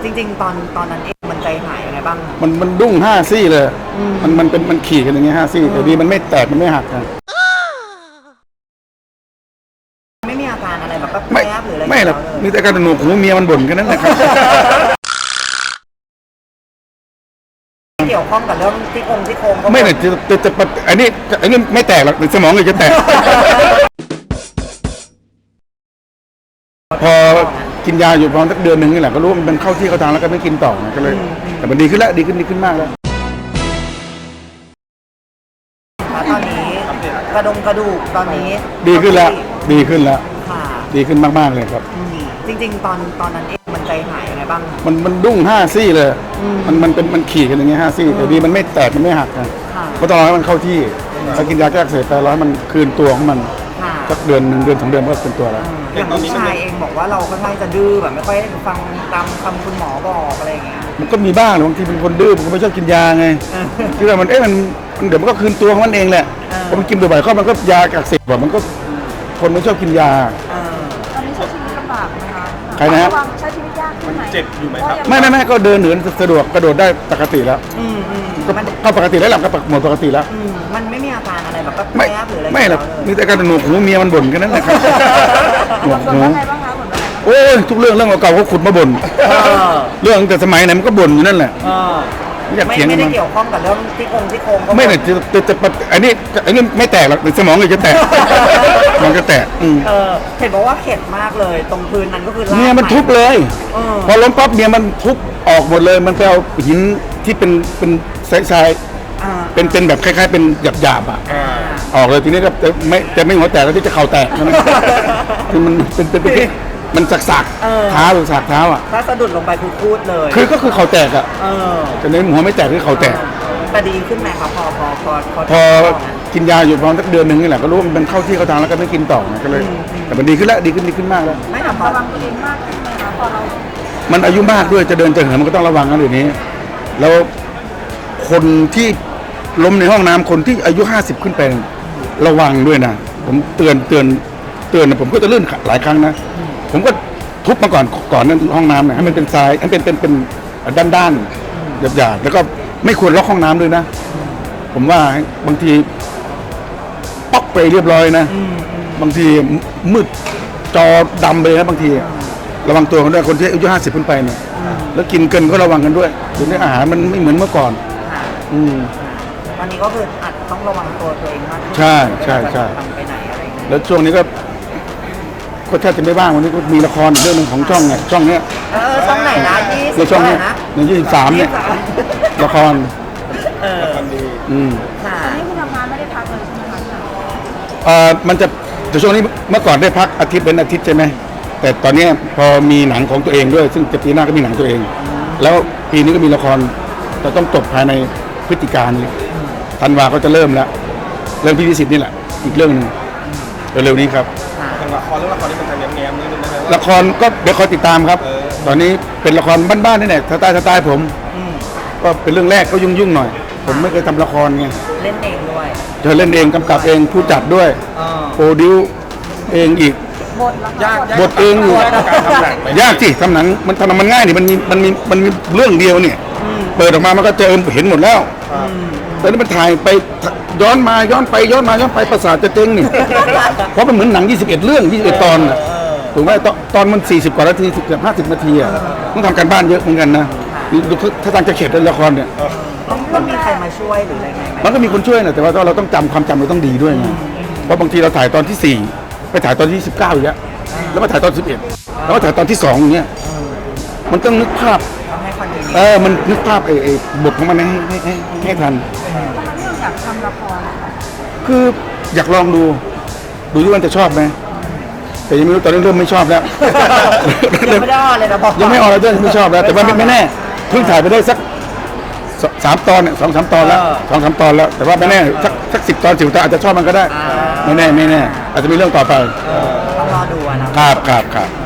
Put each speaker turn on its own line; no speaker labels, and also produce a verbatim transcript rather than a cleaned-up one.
จริงๆตอนตอนนั้นเองมันใจหายยังไงบ้าง
มันมันดุ้งห้าซี่เลยมันมันเป็นมันขี่กันอย่างเงี้ยห้าซี่แต่ดีมันไม่แตกมันไม่หักนะ
ไม่มีอาการอะไรแบบ
ไม่
แป๊บหรืออะไร
ไม่หรอกมีแต่การหนวกหูเมียมันบ่นกันนั่นแหละครับ
เกี่ยวข้องกับเรื่องที่โครงที่โครง
ไม่เนี่ยจะจะจะอันนี้อันนี้ไม่แตกหรอกสมองเลยจะแตกพอกินยาอยู่ประมาณสักเดือนหนึ่งนี่แหละก็รู้ว่ามันเข้าที่เข้าทางแล้วก็ไม่กินต่อก็เลยแต่มันดีขึ้นแล้วดีขึ้นดีขึ้นมากแล้ว
ตอนนี้กระดงกระดูกตอนนี้
ดีขึ้นแล้วดีขึ้นแล้ว
ค่ะ
ดีขึ้นมากๆเลยครับ
จริงๆตอนตอนนั้นเองมันใจหายยังไงบ้าง
มันมันดุ้งห้าซี่เลยมันมันเป็นมันขี่กันอย่างเงี้ยห้าซี่แต่ดีมันไม่แตกมันไม่หักนะเพราะต้องรอให้มันเข้าที่ถ้ากินยาแก้อักเสบไปร้อยมันคืนตัวของมันสักเดือนหนึ่งเดือนสองเดือนก็เป็นตัวแล้ว
อย่างลูกชายเองบอกว่าเราค่อนข้างจะดื้อแบบไม่ค่อยฟังตามคำคุณหมอบอกอะไรอย่างเงี้ย
มันก็มีบ้างบางทีเป็นคนดื้อมันก็ไม่ชอบกินยาไงคือว่ามันเอ๊ะมันเดี๋ยวมันก็คืนตัวของมันเองแหละพอมันกินบ่อยๆก็มันก็ยาอักเสบแบบมันก็คนไม่ชอบกินยา
ตอนนี้ใช้ชีวิตลำบากไหมคะ
ใครนะฮะ
ใช้ชีวิตยากขึ้นไหม
เจ็บอยู่ไหมครับ
ไม่ไม่ไม่ก็เดินเหินสะดวกกระโดดได้ปกติแล้วก็ปกติแล้วหลับก็หมดปกติแล้ว
มันไม่มีอาการอะไรแบบแป๊บหรืออะไร
ไม่หรอกมีแต่การหนวกหูเมียมันบ่นกันนั่นแหละครับ
หนวกหู
โอ้ยทุกเรื่องเรื่องเก่าๆเขาขุดมาบ่นเรื่องแต่สมัยไหนมันก็บ่นอยู่นั่นแหละ
ไม่ไม่ได้เกี่ยวข้องกับเรื่องที่โครงที่โครง
ไม่เนี่ยจะจะจะอันนี้อันนี้ไม่แตกหรอกสมองเลยจะแตกมันจะแตก
เออเห็นบอกว่าเข็ดมากเลยตรงพื้นนั้นก็คือ
เมียมันทุบเลยพอล้มปั๊บเมียมันทุบออกหมดเลยมันไปเอาหินที่เป็นเป็นทรายเป็นเป็นแบบคล้ายๆเป็นหยาบๆอ่ะออกเลยทีนี้ก็จะไม่จะไม่หัวแตกแล้วที่จะเข่าแตกคือมันเป็นเป็นเป็นมันสักสักเท้าหรือสักเท้าอ่ะ
ถ้าสะดุดลงไปคือพูดเลย
คือก็คือเข่าแตกอ่ะแต่ในหัวไม่แตกคือเข่าแตก
แต่ดีขึ้นไหมครับพอพอพอ
พอกินยาอยู่ประมาณสักเดือนหนึ่งนี่แหละก็รู้ว่ามันเข้าที่เข้าทางแล้วก็ไม่กินต่อก็เลยแต่มันดีขึ้นแล้วดีขึ้นดีขึ้นมากแล้ว
ไม่
ระวังตัวเองมากขึ้นไหมคะพอเรา
มันอายุมากด้วยจะเดินจะเหินมันก็ต้องระวังกันเดี๋ยวนี้แล้วคนที่ล้มในห้องน้ำคนที่อายุห้าสิบขึ้นไประวังด้วยนะผมเตือนเตือนเตือนนะผมก็จะลื่นหลายครั้งนะผมก็ทุบมาก่อนก่อนนั้นห้องน้ำนะให้มันเป็นทรายให้เป็นเป็นเป็นด้านด้านหยาบๆแล้วก็ไม่ควรล็อกห้องน้ำด้วยนะผมว่าบางทีป๊อกไปเรียบร้อยนะบางทีมืดจอดำไปนะบางทีระวังตัวกันด้วยคนที่อายุห้าสิบขึ้นไปเนี่ยแล้วกินเกินก็ระวังกันด้วยเดี๋ยวนี้อาหารมันไม่เหมือนเมื่อก่อนอืม
ตอนนี้ก็คืออาจจะต้องระวังตัวตัวเองมากขึ้น
ใช่ใช่ใช่
ไปไหนอะไร
แล้วช่วงนี้ก็ก็แทบจะไม่บ้างวันนี้ก็มีละครเรื่องนึงของช่องไงช่องเนี้ย
เออช่องไหนนะยี่สิบ
ในช่องเนี้ยในยี่สิบสามเนี่ยละคร
เออ
อืม
ค่ะตอนนี้คุณทำงานไม่ได้พักเลยใช่ไหมคะ
เอ่อมันจะแต่ช่วงนี้เมื่อก่อนได้พักอาทิตย์เป็นอาทิตย์ใช่ไหมแต่ตอนนี้พอมีหนังของตัวเองด้วยซึ่งจะปีหน้าก็มีหนังตัวเองแล้วปีนี้ก็มีละครจะต้องจบภายในพฤศจิกายนนี้ธันวาก็จะเริ่มแล้วเรื่องพี่วิสิทธิ์นี่แหละอีกเรื่องนึงเร็วๆนี้ครับ
ละครเรื่องละครที่มันจะแง้มๆนิดนึงนะ
ละครก็เดี๋ยวคอยติดตามครับตอนนี้เป็นละครบ้านๆนี่แหละสไตล์สไตล์ผมก็เป็นเรื่องแรกก็ยุ่งๆหน่อยผมไม่เคยทำละครไง
เล่นเองด้วย
เธอเล่นเองกำกับเองผู้จัดด้วยโปรดิวเองอีก
บท
ยาก
บทเองอยู่ยากสิทำหนังมันทำมันง่ายนี่มันมีมันมีมันมีเรื่องเดียวเนี่ยเปิดออกมามันก็เจอเห็นหมดแล้วแต่นี่มันถ่ายไปย้อนมาย้อนไปย้อนมาย้อนไปประสาทจะเจ๊งนี่เพราะมันเหมือนหนังยี่สิบเอ็ดเรื่องยี่สิบเอ็ดตอนน่ะถูกไหมตอนตอนมันสี่สิบกว่านาทีเกือบห้าสิบนาทีอ่ะต้องทำการบ้านเยอะเหมือนกันนะถ้าทางจะเข็ดในละครเนี่ย
ต้องมีใครมาช่วยหรืออะไรไง
มันก็มีคนช่วยนะแต่ว่าเราต้องจำความจำเราต้องดีด้วยไงเพราะบางทีเราถ่ายตอนที่สี่ไปถ่ายตอนที่สิบเก้าอย่างเงี้ยแล้วมาถ่ายตอนสิบเอ็ดแล้วมาถ่ายตอนที่สองอย่างเงี้ยมันต้องนึกภาพเออมันนึกภาพไอ้ไอ้บทของมันให้ให้ให้ให้ทัน
อยากทำละคร
คืออยากลองดูดูที่มันจะชอบไหมแต่ยังไม่รู้ตอนนี้เริ่มไม่ชอบแล้ว
ยังไม่ได้ออนเลยนะพ่อ
ยังไม่ออนแล้วด้วยไม่ชอบแล้วแต่ว่าไม่แน่เพิ่งถ่ายไปได้สักสามตอนเนี่ยสองสามตอนแล้วสองสามตอนแล้วแต่ว่าไม่แน่สักสักสิบตอนสิบตอนอาจจะชอบมันก็ได้ไม่แน่ไม่แน่อาจจะมีเรื่องต่อไป
ต้องรอดูนะครับ
ครับครับ